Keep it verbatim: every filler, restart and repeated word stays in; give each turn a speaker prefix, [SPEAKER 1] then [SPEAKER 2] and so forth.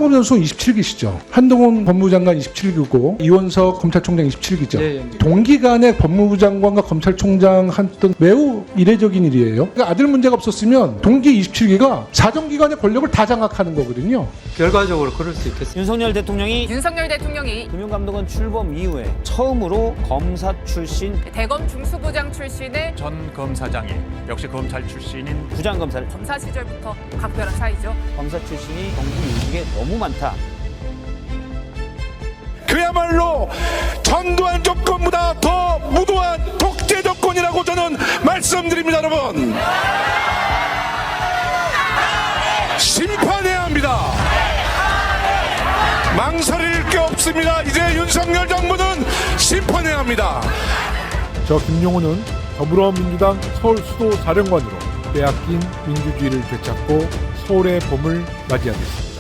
[SPEAKER 1] 차범 선수 이십칠 기시죠. 한동훈 법무부 장관 이십칠 기고 이원석 검찰총장 이십칠 기죠.
[SPEAKER 2] 예, 예.
[SPEAKER 1] 동기간에 법무부 장관과 검찰총장 했던 매우 이례적인 일이에요. 그러니까 아들 문제가 없었으면 동기 이십칠 기가 사정기관의 권력을 다 장악하는 거거든요.
[SPEAKER 2] 결과적으로 그럴 수 있겠습니다.
[SPEAKER 3] 윤석열 대통령이
[SPEAKER 4] 윤석열 대통령이
[SPEAKER 3] 금융감독원 출범 이후에 처음으로 검사 출신
[SPEAKER 4] 대검 중수부장 출신의
[SPEAKER 5] 전 검사장이 역시 검찰 출신인
[SPEAKER 3] 부장검사를
[SPEAKER 4] 검사 시절부터 각별한 사이죠.
[SPEAKER 3] 검사 출신이 정부 요직에 너무 많다.
[SPEAKER 6] 그야말로 전두환 정권보다 더 무도한 독재 정권이라고 저는 말씀드립니다. 여러분, 심판해야 합니다. 망설일 게 없습니다. 이제 윤석열 정부는 심판해야 합니다.
[SPEAKER 7] 저 김용호는 더불어민주당 서울수도 사령관으로 빼앗긴 민주주의를 되찾고 서울의 봄을 맞이하겠습니다.